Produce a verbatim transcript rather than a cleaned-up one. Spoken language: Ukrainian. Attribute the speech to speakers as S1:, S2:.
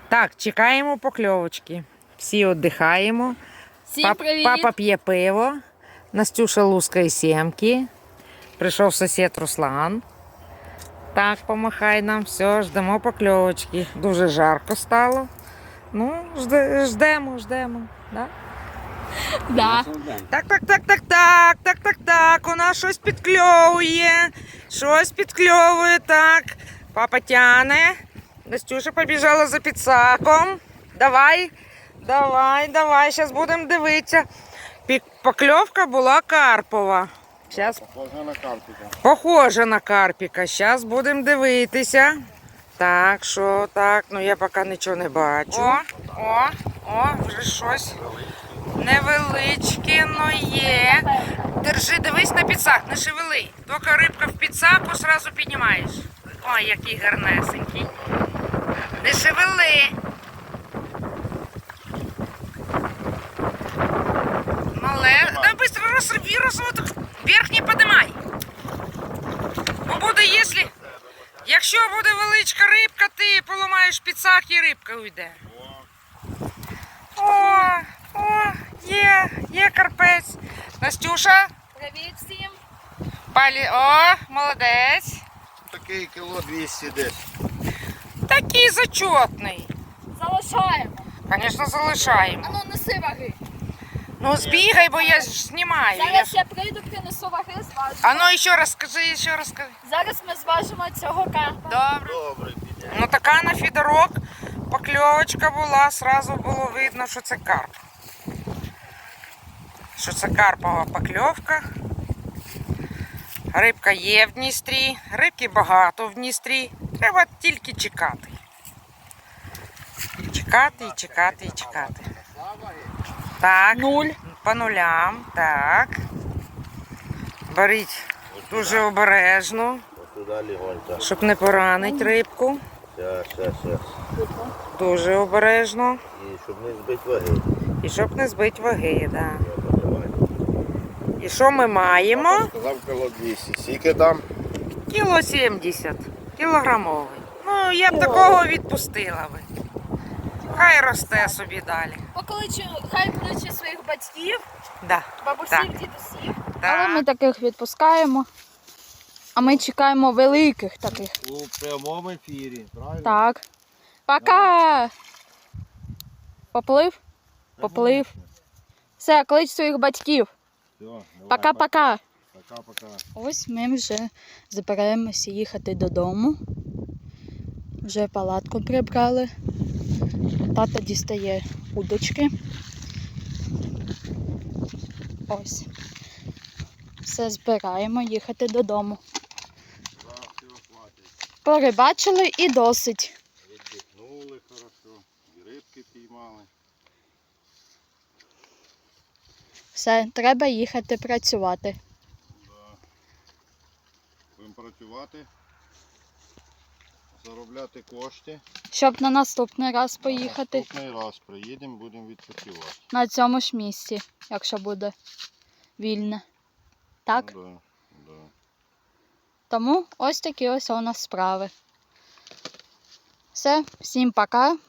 S1: Так, чекаємо покльовочки. Всі віддихаємо.
S2: Всім
S1: Пап,
S2: привіт!
S1: папа п'є пиво. Настюша лускає сімки. Прийшов сусід Руслан. Так, помахай нам. Все, ждемо покльовочки. Дуже жарко стало. Ну, жде, ждемо, ждемо. Да?
S2: Да.
S1: Так, так, так, так, так, так, так, так. У нас щось підкльовує. Щось підкльовує, так. Папа тяне. Настюша побіжала за підсаком. Давай, давай, давай, зараз будемо дивитися. Пі- Покльовка була карпова. Щас...
S3: Похоже на карпіка.
S1: Похоже на карпіка. Зараз будемо дивитися. Так, що так, ну я поки нічого не бачу. О, о, о, вже щось невеличке, но є. Держи, дивись на підсак, не шевели. Тільки рибка в підсаку, одразу піднімаєш. Ой, який гарнесенький. Не шевели. Мале. Да быстро розрви, розрви, вверх не подимай. Бо буде, якщо... Якщо буде величка рибка, ти поламаєш підсак і рибка уйде. О, о, є, є карпець. Настюша,
S2: Привіт всім!
S1: палі, о, молодець.
S3: Такий кіло двісті десь.
S1: Такий зачетний.
S2: Залишаємо.
S1: Звісно, залишаємо.
S2: Ану, неси ваги.
S1: Ну, збігай, бо я ж знімаю. Я
S2: Зараз
S1: ж...
S2: я прийду, принесу ваги, зважу.
S1: А ну, ще раз скажи, ще раз скажи.
S2: Зараз ми зважимо цього карпа.
S1: Добре.
S3: Добре, піде.
S1: Ну, така на фідерок покльовочка була, сразу було видно, що це карп. Що це карпова покльовка. Рибка є в Дністрі, рибки багато в Дністрі. Треба тільки чекати. Чекати і чекати і чекати. Так,
S2: Нуль.
S1: по нулям, так. Беріть дуже обережно,
S3: Ось туди легонько.
S1: щоб не поранити рибку.
S3: Щас, щас, щас.
S1: Дуже обережно.
S3: І щоб не збити ваги.
S1: І щоб не збити ваги, да.
S3: Я подавай.
S1: І що ми маємо?
S3: Папа сказав кіло двісті. Скільки там?
S1: Кіло сімдесят. Кілограмовий. Ну, я б такого відпустила би. Хай росте собі далі.
S2: Покличу, хай кличе своїх батьків,
S1: Да.
S2: бабусів,
S1: Так.
S2: дідусів.
S1: Так.
S2: Але ми таких відпускаємо. А ми чекаємо великих таких.
S3: У прямому ефірі, правильно?
S2: Так. Пока! Поплив? Поплив. Все, клич своїх батьків.
S3: Все, давай,
S2: Пока-пока.
S3: Пока-пока.
S2: Ось ми вже збираємося їхати додому. Вже палатку прибрали. Тато дістає удочки. Ось. Все збираємо, їхати додому.
S3: Зараз все хватить.
S2: Порибачили і досить.
S3: Віддихнули хорошо. І рибки піймали.
S2: Все, треба їхати працювати.
S3: Да. Будемо працювати. Заробляти кошти.
S2: Щоб на наступний раз поїхати
S3: Наступний раз приїдемо, будемо відпочивати.
S2: на цьому ж місці, якщо буде вільне. Так?
S3: Да, да.
S2: Тому ось такі ось у нас справи. Все, всім пока.